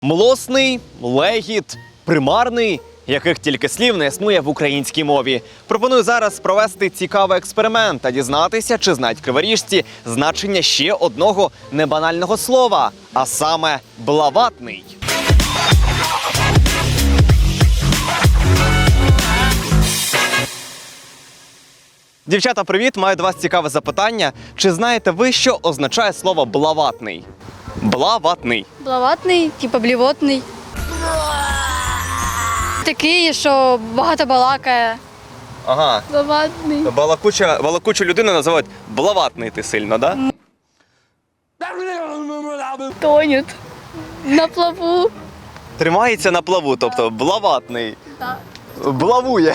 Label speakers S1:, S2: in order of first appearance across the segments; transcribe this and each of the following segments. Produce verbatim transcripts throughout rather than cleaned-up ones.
S1: Млосний, легіт, примарний, яких тільки слів не існує в українській мові. Пропоную зараз провести цікавий експеримент та дізнатися, чи знають криворіжці значення ще одного небанального слова, а саме «блаватний». Дівчата, привіт! Маю до вас цікаве запитання. Чи знаєте ви, що означає слово «блаватний»? Блаватний.
S2: Блаватний, типу блівотний. Такий, що багато балакає.
S1: Ага.
S2: Блаватний.
S1: Балакуча, балакучу людину називають «блаватний» ти сильно, да?
S2: Тонет. На плаву.
S1: Тримається на плаву, тобто «блаватний».
S2: Так.
S1: Блавує.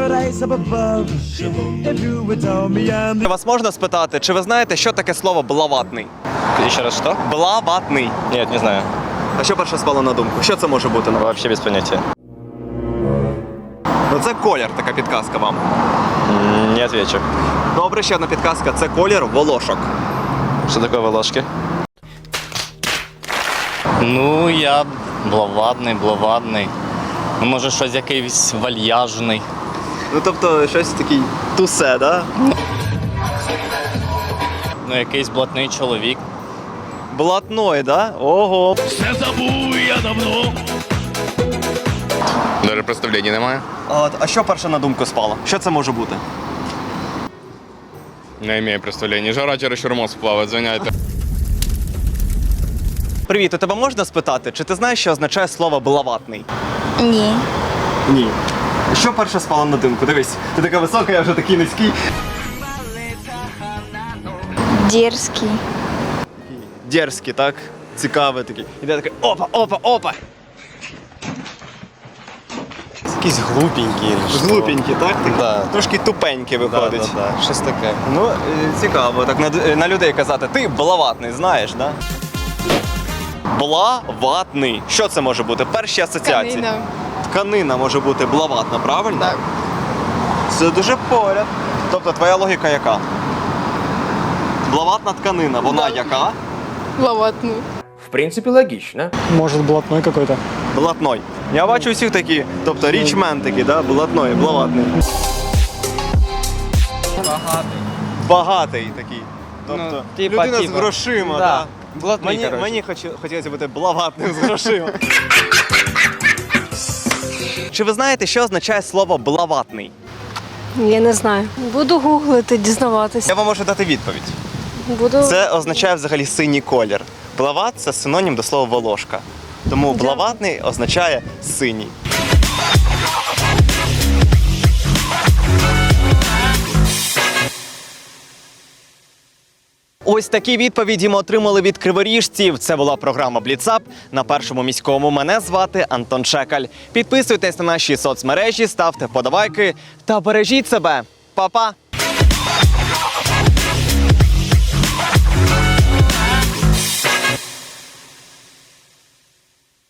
S1: Вас можна спитати, чи ви знаєте, що таке слово «блаватний»?
S3: Еще раз что?
S1: Блаватний.
S3: Нет, не знаю.
S1: А що перше спало на думку? Що це може бути?
S3: Вообще без понятия.
S1: Ну це колір, така підказка вам.
S3: М, Не отвечу.
S1: Добре, ще одна підказка. Це колір волошок.
S3: Что такое волошки? Ну, я блаватний, блаватний. Ну, може, щось якийсь вальяжний.
S1: Ну тобто щось такий тусе, да?
S3: Ну, якийсь блатний чоловік.
S1: Блатной, да? Ого.
S4: Все забув я давно.
S5: Даже представлення немає.
S1: А, от, а що перше на думку спало? Що це може бути?
S5: Не маю представлення. Жара чересчур мозг плаває, звиняйте.
S1: Привіт, у тебе можна спитати, чи ти знаєш, що означає слово «блаватний»?
S2: Ні.
S1: Ні. Що перше спало на думку? Дивись, ти така висока, я вже такий низький.
S2: Дерзкий.
S1: Дерзкий, так? Цікавий такий. Іде такий опа, опа, опа. Якийсь глупенький. Глупенький, так? Такий?
S3: Да.
S1: Трошки тупенький виходить.
S3: Да, да, да. Щось таке.
S1: Ну, е, цікаво, так на, на людей казати, ти блаватний, знаєш, да? Блаватний. Що це може бути? Перші асоціації.
S2: Тканина.
S1: Тканина може бути блаватна, правильно?
S2: Так.
S1: Це дуже поряд. Тобто твоя логіка яка? Блаватна тканина, вона яка?
S2: Блаватний.
S6: В принципе, логично.
S7: Может, блатной какой-то.
S1: Блатной. Я бачу всіх такі, тобто річмен такі, да? Блатной, блаватний. Багатий. Багатий такий. Тобто
S8: Ну, типа,
S1: людина
S8: типа.
S1: з грошима,
S8: Да.
S1: да.
S8: Блатний,
S1: Мені,
S8: короче.
S1: мені хоч, хотілося бути блаватним з грошима. Чи ви знаєте, що означає слово «блаватний»?
S9: Я не знаю. Буду гуглити, дізнаватися.
S1: Я вам можу дати відповідь.
S9: Буду.
S1: Це означає взагалі синій колір. Блават – це синонім до слова волошка. Тому блаватний означає синій. Ось такі відповіді ми отримали від криворіжців. Це була програма «Бліцап» на Першому міському. Мене звати Антон Шекаль. Підписуйтесь на наші соцмережі, ставте вподобайки та бережіть себе. Па-па!